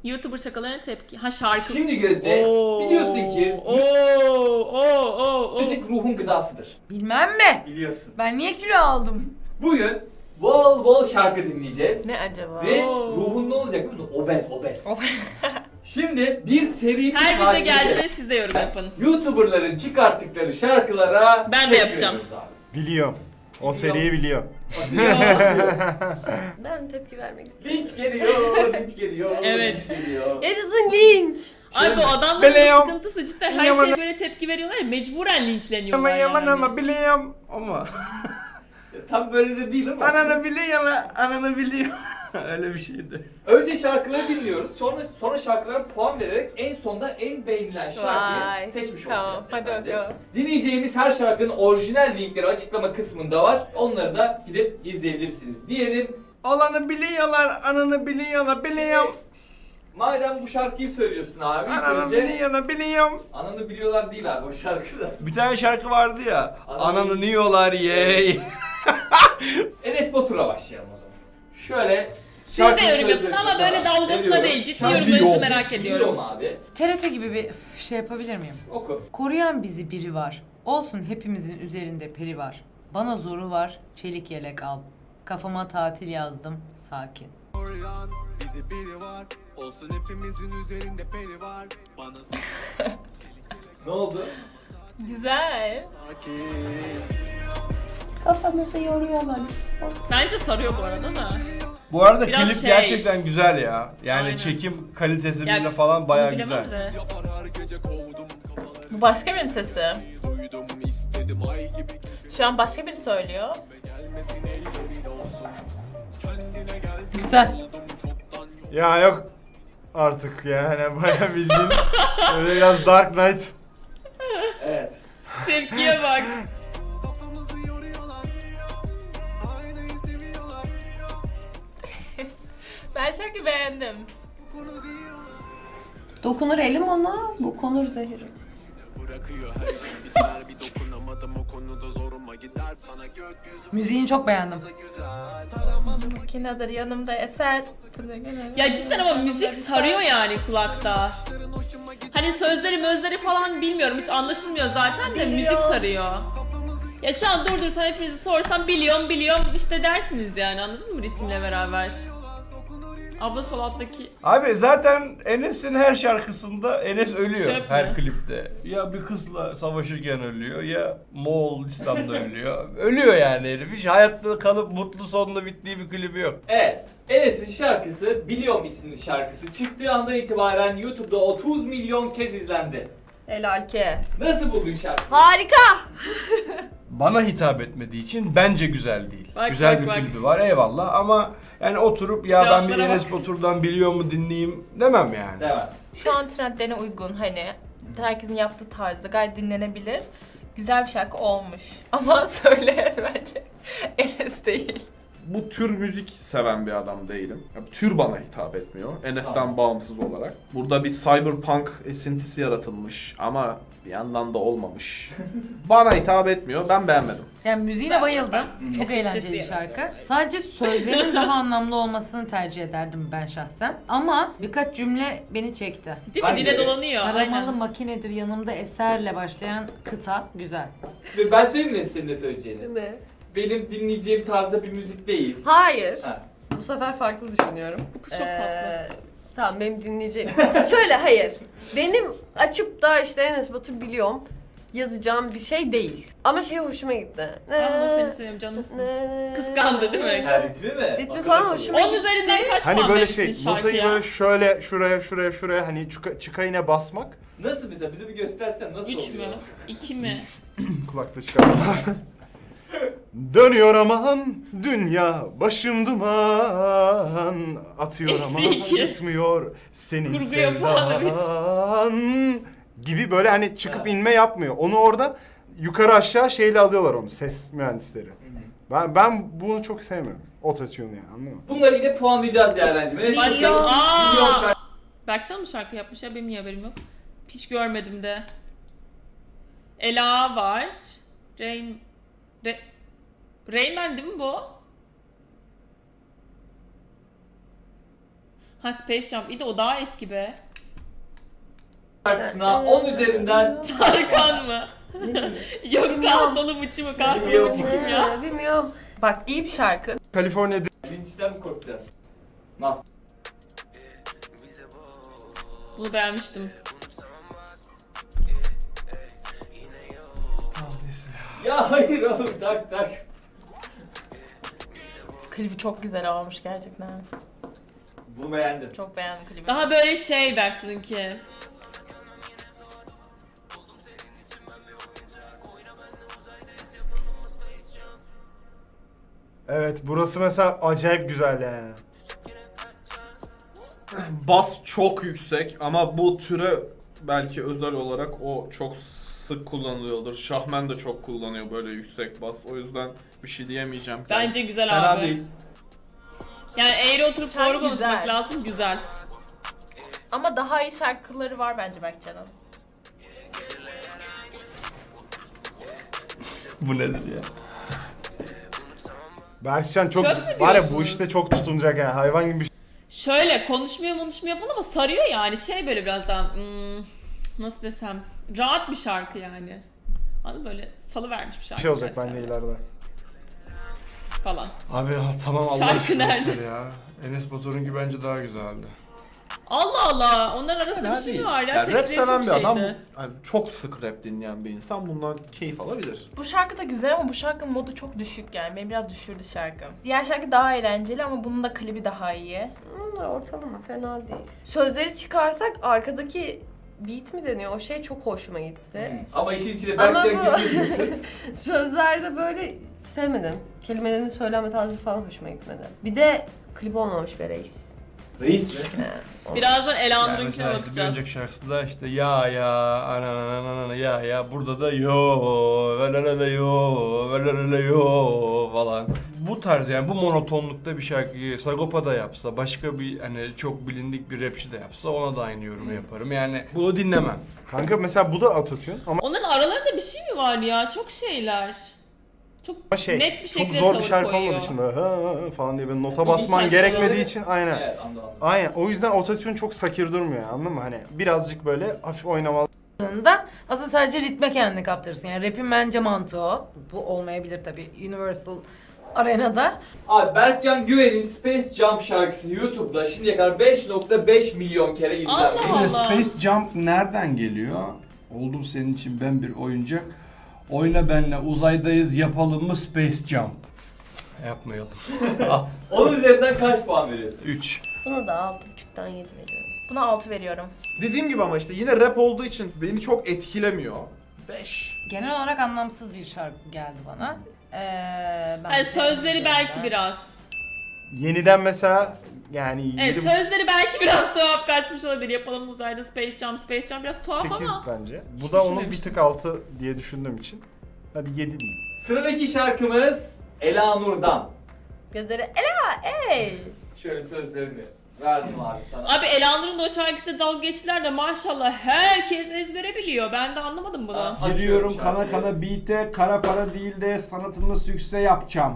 YouTuber şakalarına tepki. Ha şarkı. Şimdi Gözde biliyorsun ki müzik ruhun gıdasıdır. Bilmem mi? Biliyorsun. Ben niye kilo aldım? Bugün bol bol şarkı dinleyeceğiz. Ne acaba? Ve ruhun ne olacak biliyor musun? Obez. Şimdi bir seri Her video haline geldiğinde gelerek siz de yorum yapın. YouTuber'ların çıkarttıkları şarkılara Ben de tepki yapacağım. veriyoruz abi. Biliyorum. O seriyi biliyor. Ben tepki vermek istiyorum. Linç geliyor, linç geliyor. Evet. Linç geliyor. Yaşasın linç. Ay bu adamların Biliyorum. sıkıntısı cidden her şeye böyle tepki veriyorlar ya, mecburen linçleniyorlar yani. biliyorum ama. Tam böyle de değil ama. Ananı biliyor. Öyle bir şeydi. Önce şarkıları dinliyoruz. Sonra şarkılara puan vererek en sonda en beğenilen şarkıyı Vay, seçmiş tamam, olacağız. hadi efendim. bakalım. Dinleyeceğimiz her şarkının orijinal linkleri açıklama kısmında var. Onları da gidip izleyebilirsiniz diyelim. Olanı biliyorlar, ananı biliyorlar, biliyorum. Madem bu şarkıyı söylüyorsun abi. ilk Ananı önce- biliyorlar, biliyorum. Ananı biliyorlar değil abi o şarkıda. Bir tane şarkı vardı ya. Ananı- Ananı yiyorlar ye. Enes Batur'la başlayalım o zaman. Şöyle Siz de yorum yapın ama böyle dalgasına değil, ciddi yorumlarınızı merak ediyorum. Biliyorum abi. TRT gibi bir şey yapabilir miyim? Oku. Koruyan bizi biri var. Olsun hepimizin üzerinde peri var. Bana zoru var, çelik yelek al. Kafama tatil yazdım, sakin. Koruyan bizi biri var. Olsun hepimizin üzerinde peri var. Bana Ne oldu? Güzel. sakin. Kafamızı yoruyorlar. Bence sarıyor bu arada da. Bu arada Biraz klip şey. gerçekten güzel ya. Yani Aynen. çekim kalitesi Ya, bile falan bayağı onu bilemem güzel. de. Yapar her gece kovdum kafaları. Bu başka birinin sesi. Duydum istedim ay gibi gece. Şu an başka biri söylüyor. Gelmesin ellerin olsun. Kendine gel. Güzel. Çoktan yok. Ya yok artık yani bayağı bildiğin öyle biraz Dark Knight. Evet. Tepkiye bak. Kafamızı yoruyorlar. Aynayı seviyorlar. Ben şarkıyı beğendim. Bu konu ziyan. Dokunur elim ona, bu konur zehri. Bırakıyor her şey biter. Bir dokunamadım o konuda zoruma gider. Sana gökyüzü Müziğini çok beğendim. güzel. Makinedir yanımda eser. Ya cidden ama müzik sarıyor yani kulakta. Hani sözleri falan bilmiyorum, hiç anlaşılmıyor zaten de müzik sarıyor. Ya şu an durdursam hepinizi sorsam biliyorum işte dersiniz yani, anladın mı ritimle beraber. Abla sol alttaki Abi zaten Enes'in her şarkısında Enes ölüyor Çöp her mü? klipte. Ya bir kızla savaşırken ölüyor ya Moğolistan'da ölüyor. Ölüyor yani herif. Hiç hayatta kalıp mutlu sonla bittiği bir klibi yok. Evet. Enes'in şarkısı Biliyorum isimli şarkısı çıktığı andan itibaren YouTube'da 30 milyon kez izlendi. Helal ki. Nasıl buldun şarkıyı? Harika. Bana hitap etmediği için bence güzel değil. Bak, güzel bak, bir bak. klibi var eyvallah ama yani oturup ya ben bir Cevaplara Enes Batur'dan biliyor mu dinleyeyim demem yani. Demez. Şu an trendlerine uygun hani herkesin yaptığı tarzda gayet dinlenebilir. Güzel bir şarkı olmuş. Ama söyle bence Enes değil. Bu tür müzik seven bir adam değilim. Ya, bu tür bana hitap etmiyor. Enes'ten bağımsız olarak. Burada bir cyberpunk esintisi yaratılmış ama bir yandan da olmamış. Bana hitap etmiyor. Ben beğenmedim. Yani müziğine bayıldım. Çok Esintisi eğlenceli bir yaratıyor. şarkı. Sadece sözlerinin daha anlamlı olmasını tercih ederdim ben şahsen. Ama birkaç cümle beni çekti. değil mi? Hangi? Dile dolanıyor. Taramalı Aynen. makinedir yanımda eserle başlayan kıta güzel. Ve ben söyleyeyim mi senin ne söyleyeceğini? Ne? Benim dinleyeceğim tarzda bir müzik değil. Hayır. Ha. Bu sefer farklı düşünüyorum. Bu kız çok tatlı. Tamam benim dinleyeceğim. Şöyle hayır. Benim açıp da işte Enes Batur biliyorum yazacağım bir şey değil. Ama şey hoşuma gitti. Ben de seni seviyorum canımsın. Kıskandı değil mi? Ha, ritmi mi? Ritmi Akıllı falan kalıyor. hoşuma Onun üzerinden kaç Hani puan böyle verirsiniz şey notayı şarkıya? böyle şöyle şuraya hani çıkayına basmak. Nasıl mesela? Bize bir göstersen nasıl 3 mü? oluyor? 2 mi? Kulakta çıkarmalar. Dönüyor aman dünya başım duman atıyor Eksi aman iki. gitmiyor senin Kurgu yapan sevdan gibi böyle hani çıkıp inme yapmıyor. Onu orada yukarı aşağı şeyle alıyorlar onu ses mühendisleri. Ben bunu çok sevmiyorum. Autotune yani anladın mı? Bunları yine puanlayacağız yani bence. Başka... Biliyorum Aaa! şarkı- Berkcan mı şarkı yapmış ya? Benim niye haberim yok? Hiç görmedim de. Ela var. Rain Man değil mi bu? Ha Space Jump. İyi de o daha eski be. Şarkısına 10 üzerinden Tarkan mı? Yok Bilmiyorum. kahkalı mıçı mı? Kahkalı Bilmiyorum. mıçı kim ya? Bilmiyorum. Bak iyi bir şarkı. California linçten mi korkacaksın? Nasıl? Bunu beğenmiştim. Ya hayır oğlum tak. Klibi çok güzel olmuş gerçekten. Bunu beğendim. Çok beğendim klibi. Daha böyle şey Berkcan'ınki. Evet, burası mesela acayip güzel yani. Bas çok yüksek ama bu türe belki özel olarak o çok sık kullanılıyordur. Şahmen de çok kullanıyor böyle yüksek bas. O yüzden bir şey diyemeyeceğim. Bence güzel Fena abi. değil. Yani eğri oturup Şarkı doğru konuşmak güzel. lazım. Güzel. Ama daha iyi şarkıları var bence Berkcan'ın. Bu nedir ya? Berkcan çok Çöp mü var ya bu diyorsunuz? işte çok tutunacak yani hayvan gibi bir şey. Şöyle konuşmuyor falan ama sarıyor yani. Şey böyle biraz daha nasıl desem rahat bir şarkı yani. Hani böyle salıvermiş bir şarkı. Şey olacak gerçekten bence de. ileride. Falan. Abi tamam Allah Şarkı aşkına nerede? yeter ya. Enes Batur'unki bence daha güzeldi. Allah Allah. Onların arasında Fena bir şey değil. mi var ya? Yani rap Tepkileri seven çok bir adam, şeydi. yani çok sık rap dinleyen bir insan bundan keyif alabilir. Bu şarkı da güzel ama bu şarkının modu çok düşük yani. Beni biraz düşürdü şarkı. Diğer şarkı daha eğlenceli ama bunun da klibi daha iyi. Ortalama fena değil. Sözleri çıkarsak arkadaki beat mi deniyor? O şey çok hoşuma gitti. Ama işin içine Ama Berkcan bu- girmiyorsun. Sözlerde böyle sevmedim. Kelimelerin söyleme tarzı falan hoşuma gitmedi. Bir de klip olmamış be reis. Reis mi? Birazdan Yani Elanur'unkine mesela işte bir bakacağız. önceki şarkısında işte ya ananana ya burada da yo velelele yo velelele yo falan. Bu tarz yani bu monotonlukta bir şarkıyı Sagopa da yapsa, başka bir hani çok bilindik bir rapçi de yapsa ona da aynı yorumu yaparım. Yani bunu dinlemem. Kanka mesela bu da autotune ama Onların aralarında bir şey mi var ya? Çok şeyler. Çok şey net bir çok şekilde zor bir tavır şarkı koyuyor. olmadığı için böyle falan diye böyle nota İlginç basman şarkıları- gerekmediği için aynen. Evet anladım. Aynen. O yüzden autotune çok sakir durmuyor anladın mı? Hani birazcık böyle hafif oynamalı. Da aslında sadece ritme kendini kaptırırsın. Yani rap'in bence mantığı o. Bu olmayabilir tabii Universal Arena'da. Abi Berkcan Güven'in Space Jump şarkısı YouTube'da şimdiye kadar 5.5 milyon kere izlenmiş. Allah! Bir de Space Jump nereden geliyor? Oldum senin için ben bir oyuncak. Oyna benle uzaydayız yapalım mı Space Jump? Yapmayalım. 10 üzerinden kaç puan veriyorsun? 3. Buna da 6.5'tan 7 veriyorum. Buna 6 veriyorum. Dediğim gibi ama işte yine rap olduğu için beni çok etkilemiyor. 5. Genel olarak anlamsız bir şarkı geldi bana. Yani Bence sözleri belki güzel. biraz. Yeniden mesela yani Evet 7.5 sözleri belki biraz tuhaf kaçmış olabilir. Yapalım uzayda Space Jump biraz tuhaf 8 ama. bence. Bu Hiç da onun bir düşünmemiştim. tık altı diye düşündüğüm için. Hadi 7 diyeyim. Sıradaki şarkımız Elanur'dan. Gözleri ela ey. Şöyle sözlerini verdim abi sana. Abi Elanur'un da o şarkısıyla dalga geçtiler de maşallah herkes ezbere biliyor. Ben de anlamadım bunu. Aa, Giriyorum açıyorum kana şarkıyı. kana beat'e kara para değil de sanatını sükse yapacağım.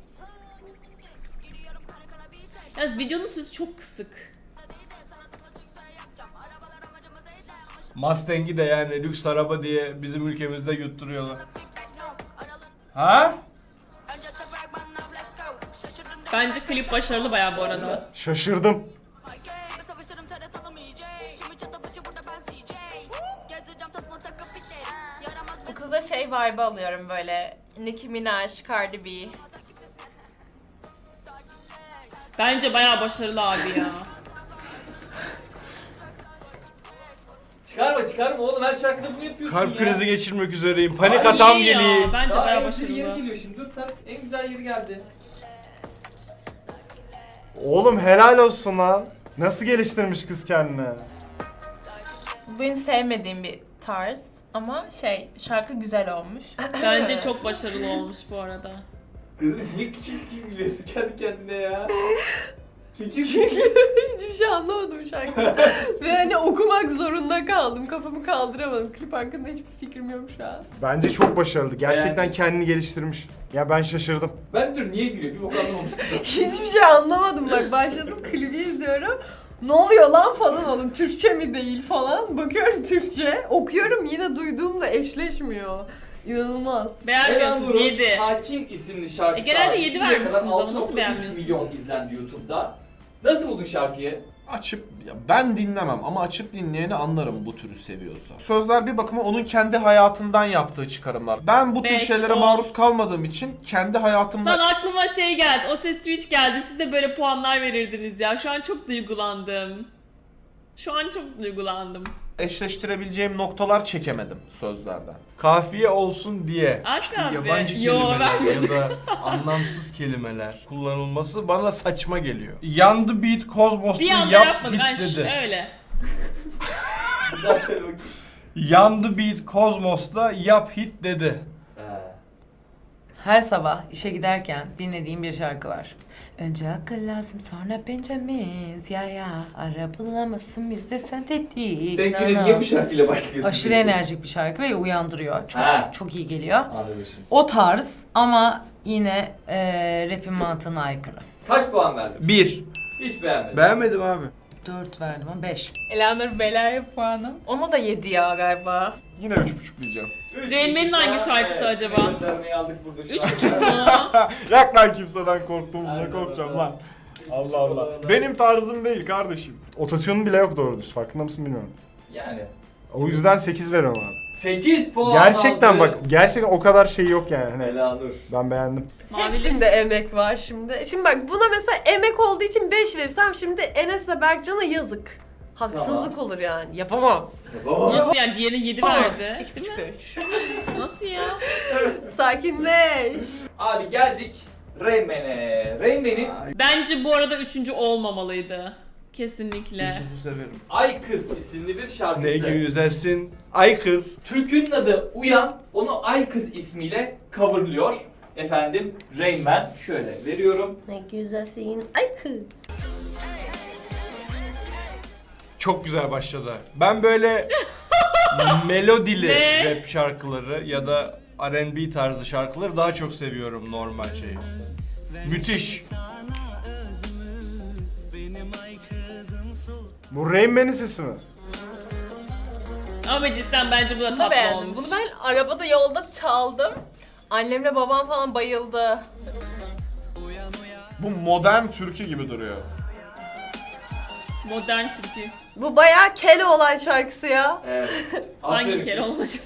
Yalnız videonun sözü çok kısık. Mustang'i de yani lüks araba diye bizim ülkemizde yutturuyorlar. Ha? Bence klip başarılı bayağı bu arada. Şaşırdım. Bu kıza şey vibe alıyorum böyle. Nicki Minaj, Cardi B. Bence bayağı başarılı abi ya. Çıkarma oğlum her şarkıda bunu yapıyorsun Kalp ya. krizi geçirmek üzereyim. Panik Abi atam iyi ya, geliyor. Bence Daha bayağı en güzel yeri başarılı. geliyor şimdi. Dur sen en güzel yeri geldi. Oğlum helal olsun lan. Nasıl geliştirmiş kız kendini? Bu benim sevmediğim bir tarz. Ama şey, şarkı güzel olmuş. Bence çok başarılı olmuş bu arada. Kızım niye küçük gülüyorsun kendi kendine ya? Küçük Hiçbir şey anlamadım şarkıda. Ve hani okumak zorunda kaldım. Kafamı kaldıramadım. Klip hakkında hiçbir fikrim yok şu an. Bence çok başarılı. Gerçekten Beğendim. kendini geliştirmiş. Ya ben şaşırdım. Ben diyorum niye gülüyor? Bir bok anlamamış kız. Hiçbir şey anlamadım bak. Başladım klibi izliyorum. Ne oluyor lan falan oğlum, Türkçe mi değil falan. Bakıyorum Türkçe, okuyorum yine duyduğumla eşleşmiyor. İnanılmaz. Beğenmiyorsunuz, Elanur'un 7. Sakin isimli şarkısı. genelde abi. yedi Şimdiye vermişsiniz kadar ama nasıl 6.3 beğenmiyorsunuz? milyon izlendi YouTube'da. Nasıl buldun şarkıyı? Açıp, ya ben dinlemem ama açıp dinleyeni anlarım bu türü seviyorsa. Sözler bir bakıma onun kendi hayatından yaptığı çıkarımlar. Ben bu tür 5, şeylere 10. maruz kalmadığım için kendi hayatımda... Lan aklıma şey geldi. O Ses Twitch geldi. Siz de böyle puanlar verirdiniz ya. Şu an çok duygulandım. Şu an çok duygulandım. eşleştirebileceğim noktalar çekemedim sözlerden. Kafiye olsun diye Aşk işte abi. yabancı Yo, kelimeler ya da anlamsız kelimeler kullanılması bana saçma geliyor. Yandı Beat Cosmos'ta Bir anda yap yapmadık. hit Ay, dedi. öyle. Bir daha söyle bakayım. Yandı Beat Cosmos'ta yap hit dedi. Her sabah işe giderken dinlediğim bir şarkı var. Önce akıl lazım sonra Benjamin. Ya ara bulamazsın biz de sentetik. Sen güne niye bu şarkıyla başlıyorsun? Aşırı peki? enerjik bir şarkı ve uyandırıyor. Çok Ha. çok iyi geliyor. Anladım şimdi. O tarz ama yine rap'in mantığına aykırı. Kaç puan verdin? 1. Hiç beğenmedim. Beğenmedim abi. 4 verdim ama 5. Elanur Belaya puanım. Ona da 7 ya galiba. Yine 3,5 diyeceğim. Üç Rain Man'in buçuk hangi puan. şarkısı Evet, acaba? göndermeyi aldık burada şu an. 3,5 mu? Yak lan kimseden korktuğumuzda Aynen korkacağım öyle. lan. Allah Allah. Benim tarzım değil kardeşim. Ototune'un bile yok doğru düz. Farkında mısın bilmiyorum. Yani. O yüzden 8 veriyorum abi. 8 puan Gerçekten aldı. bak, gerçekten o kadar şey yok yani. Hani Elanur. ben beğendim. Mavili. Hepsinde emek var şimdi. Şimdi bak buna mesela emek olduğu için 5 verirsem şimdi Enes'le Berkcan'a yazık. Haksızlık olur yani. Yapamam. Nasıl yani? Diğerine 7 verdi. Değil mi? 3. Nasıl ya? Sakinleş. Abi geldik Rain Man'e. Rain Man'in Bence bu arada 3. olmamalıydı. Kesinlikle. Yusuf'u severim. Ay Kız isimli bir şarkısı. Ne güzelsin. Ay kız. Türkünün adı Uyan, onu Ay Kız ismiyle coverlıyor. Efendim Rain Man şöyle veriyorum. Ne güzelsin ay kız. Çok güzel başladı. Ben böyle melodili Ne? rap şarkıları ya da R&B tarzı şarkıları daha çok seviyorum normal şeyi. Müthiş. Bu Rain Man'in sesi mi? Ama cidden bence bu da Bunu da tatlı beğendim. olmuş. Bunu ben arabada yolda çaldım. Annemle babam falan bayıldı. Bu modern türkü gibi duruyor. Modern türkü. Bu bayağı kele olan şarkısı ya. Evet. Hangi Aferin kere kız. olacak?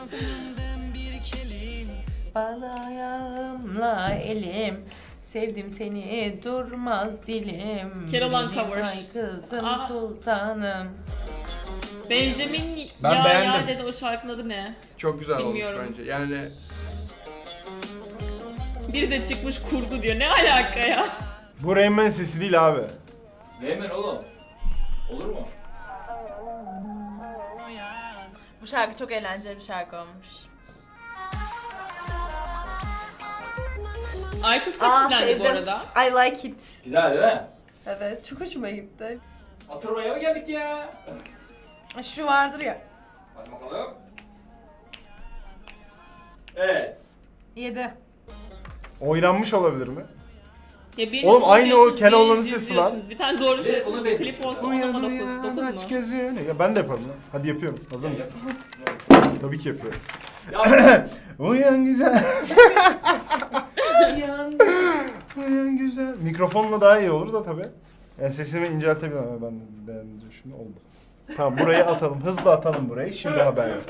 Bal ayağımla elim, sevdim seni durmaz dilim. Keloğlan Benim cover. ay kızım Aa. sultanım. Benjamin Ben ya beğendim. dedi, o şarkının adı ne? Çok güzel Bilmiyorum. olmuş bence. Yani Biri de çıkmış kurgu diyor. Ne alaka ya? Bu Rain Man sesi değil abi. Rain Man oğlum. Olur mu? Bu şarkı çok eğlenceli bir şarkı olmuş. Ay Kız kaç izlendi bu arada? I like it. Güzel değil mi? Evet, çok hoşuma gitti. Oturmaya mı geldik ya? Şu vardır ya. Hadi bakalım. Evet. 7. Oynanmış olabilir mi? Ya biriniz Oğlum aynı o konuşuyorsunuz, Keloğlan'ın biriniz sesi lan. izliyorsunuz. Bir tane doğru Ve söylüyorsunuz. onu dedim. Klip olsa Uyan ona uyan 9 aç mu? gözünü. Ya ben de yaparım lan. Hadi yapıyorum. Hazır mısın? Tabii ki yapıyorum. Ya, Uyan güzel. Uyan güzel. Mikrofonla daha iyi olur da tabii. Yani sesimi inceltebilirim ama ben de şimdi oldu. Tamam burayı atalım. Hızlı atalım burayı. Şimdi haber yok.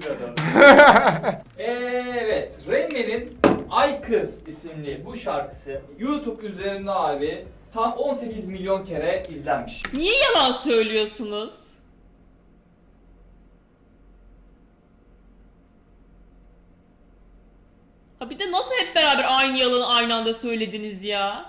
Evet, Rain Man'in Ay Kız isimli bu şarkısı YouTube üzerinde abi tam 18 milyon kere izlenmiş. Niye yalan söylüyorsunuz? Ha bir de nasıl hep beraber aynı yalanı aynı anda söylediniz ya?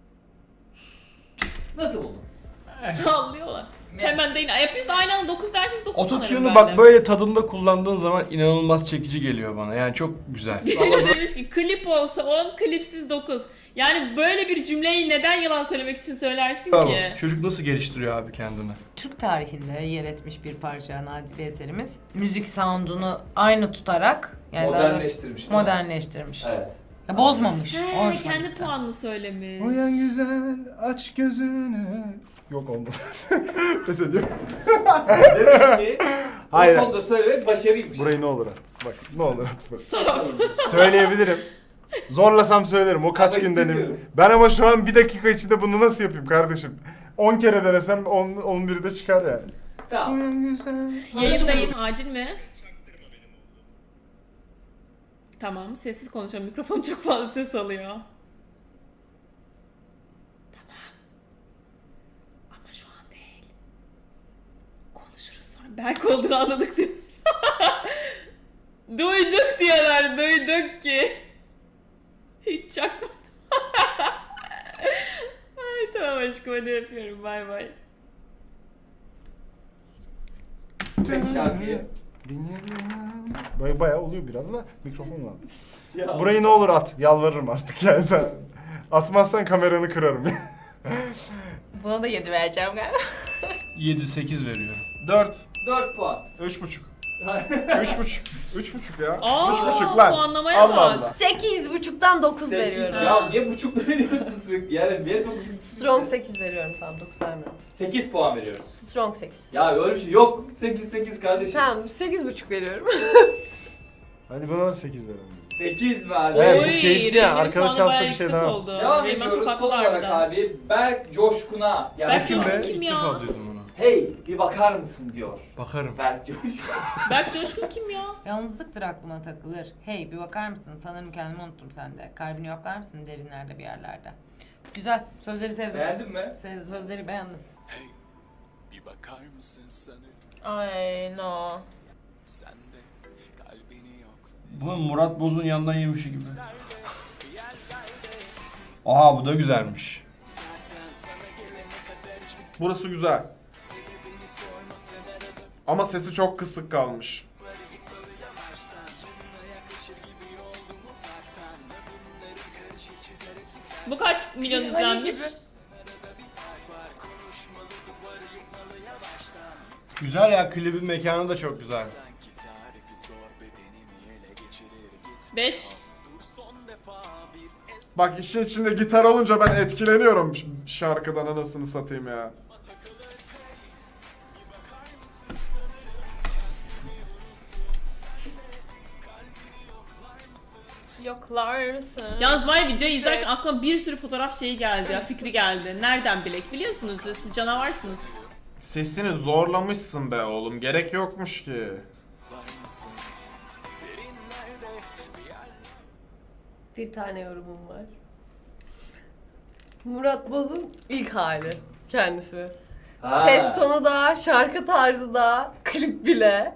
Nasıl buldun? Sallıyorlar. Hemen değil. Hepiniz aynı anda 9 derseniz 9 sanırım ototune'u ben bak de. böyle tadında kullandığın zaman inanılmaz çekici geliyor bana. Yani çok güzel. Biri demiş ki klip olsa 10, klipsiz 9. Yani böyle bir cümleyi neden yalan söylemek için söylersin Tamam. ki? Çocuk nasıl geliştiriyor abi kendini? Türk tarihinde yer etmiş bir parça nadide eserimiz. Müzik sound'unu aynı tutarak yani daha doğrusu Modernleştirmiş, değil mi? modernleştirmiş. Evet. Ya bozmamış. O He, hoşuma kendi gitti. puanını söylemiş. Uyan güzel aç gözünü. Yok olmadı. Pes ediyorum. Demek ki Hayır. bu konuda söylemek başarıymış. Burayı ne olur at. Bak ne olur at. Bak. Saf. Söyleyebilirim. Zorlasam söylerim. O kaç Ama gün istemiyorum. denedim. Ben ama şu an 1 dakika içinde bunu nasıl yapayım kardeşim? 10 kere denesem 11'i de çıkar yani. Tamam. Yayındayım. Acil mi? Tamam. Sessiz konuşuyorum. Mikrofon çok fazla ses alıyor. Tamam. Ama şu an değil. Konuşuruz sonra. Berk olduğunu anladık diyor. Duyduk diyorlar. Duyduk ki. Hiç çakmadım. Ay tamam aşkım hadi öpüyorum. Bay bay. Peki şarkıyı. Bayağı oluyor biraz da mikrofonla. Ya. Burayı ne olur at. Yalvarırım artık yani sen. Atmazsan kameranı kırarım. Buna da 7 vereceğim galiba. 7-8 veriyorum. 4. 4 puan. 3,5. 3,5. 3,5 ya. Aa, 3,5 lan. puanlamaya Allah bak. Allah. 8,5'tan 9 veriyorum. Ya niye buçukla veriyorsun sürekli? Yani bir yere Strong 8 veriyorum, tamam 9 vermiyorum. 8 puan veriyoruz. Strong 8. Ya öyle bir şey yok. 8 kardeşim. Tamam 8,5 veriyorum. Hadi buna da 8 verelim. 8 verdi. Evet, bu Oy, keyifli ya. Reymen'in Arkada puanı çalsa bayağı bir şey yüksek daha. oldu. Devam Reymen ediyoruz. Son topaklı olarak harbiden. abi Berk Coşkun'a. Yani Berk Kim Coşkun be? kim İlk ya? defa duydum bunu. hey bir bakar mısın diyor. Bakarım. Berk Coşkun. Berk Coşkun kim ya? Yalnızlıktır aklıma takılır. Hey bir bakar mısın? Sanırım kendimi unuttum sende. Kalbini yoklar mısın derinlerde bir yerlerde? Güzel. Sözleri sevdim. Beğendin mi? Sözleri beğendim. Bir bakar mısın sanırım Ay no. sen de kalbini yok. Bu Murat Boz'un yandan yemişi gibi. Aha bu da güzelmiş. Burası güzel. Ama sesi çok kısık kalmış. Bu kaç milyon izlenmiş? Güzel ya. Klibin mekanı da çok güzel. 5. Bak işin içinde gitar olunca ben etkileniyorum şarkıdan anasını satayım ya. Yoklarsın. Yalnız var ya videoyu izlerken aklıma bir sürü fotoğraf şeyi geldi ya, fikri geldi. Nereden bilek biliyorsunuz ya, siz canavarsınız. Sesini zorlamışsın be oğlum. Gerek yokmuş ki. Bir tane yorumum var. Murat Boz'un ilk hali kendisi. Ha. Ses tonu da, şarkı tarzı da, klip bile.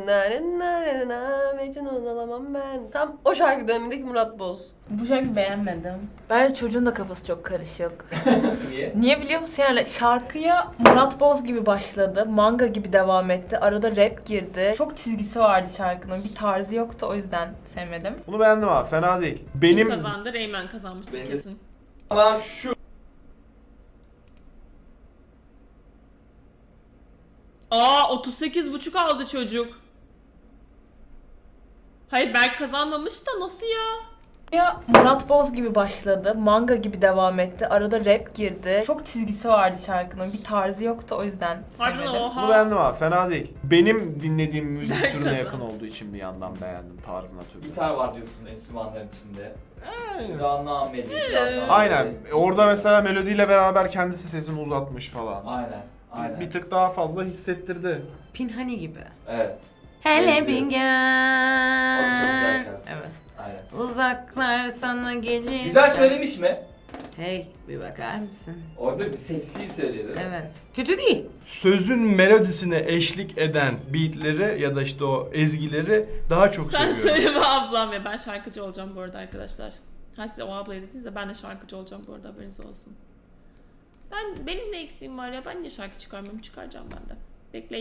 Mecnun olamam ben. Tam o şarkı dönemindeki Murat Boz. Bu şarkıyı beğenmedim. Bence çocuğun da kafası çok karışık. Niye? Niye biliyor musun? Yani şarkıya Murat Boz gibi başladı. Manga gibi devam etti. Arada rap girdi. Çok çizgisi vardı şarkının. Bir tarzı yoktu, o yüzden sevmedim. Bunu beğendim abi. Fena değil. Kim Benim kazandı? Reymen kazanmıştı Benim de- kesin. Ama şu Aa 38,5 aldı çocuk. Hayır Berk kazanmamış da nasıl ya? Ya Murat Boz gibi başladı. Manga gibi devam etti. Arada rap girdi. Çok çizgisi vardı şarkının. Bir tarzı yoktu, o yüzden Harbiden sevmedim. oha. bunu beğendim abi. Fena değil. Benim dinlediğim müzik Berk türüne kazandı. yakın olduğu için bir yandan beğendim tarzına türüne. gitar var diyorsun enstrümanların içinde. Biraz nameli. biraz nameli. Aynen. Orada mesela melodiyle beraber kendisi sesini uzatmış falan. Aynen. Aynen. Bir tık daha fazla hissettirdi. Pinhani gibi. Evet. Hele Benziyor. bir O da çok güzel gel. şarkı. Evet. Aynen. Uzaklar sana gelir. Güzel söylemiş mi? Hey bir bakar mısın? Orada bir seksi söyledi. Evet. Kötü değil. Sözün melodisine eşlik eden beatleri ya da işte o ezgileri daha çok Sen seviyorum. söyleme ablam ya, ben şarkıcı olacağım bu arada arkadaşlar. Ha size o ablayı dediniz de ben de şarkıcı olacağım bu arada, haberiniz olsun. Benim ne eksiğim var ya, ben niye şarkı çıkarmıyorum, çıkaracağım ben de. Bekleyin.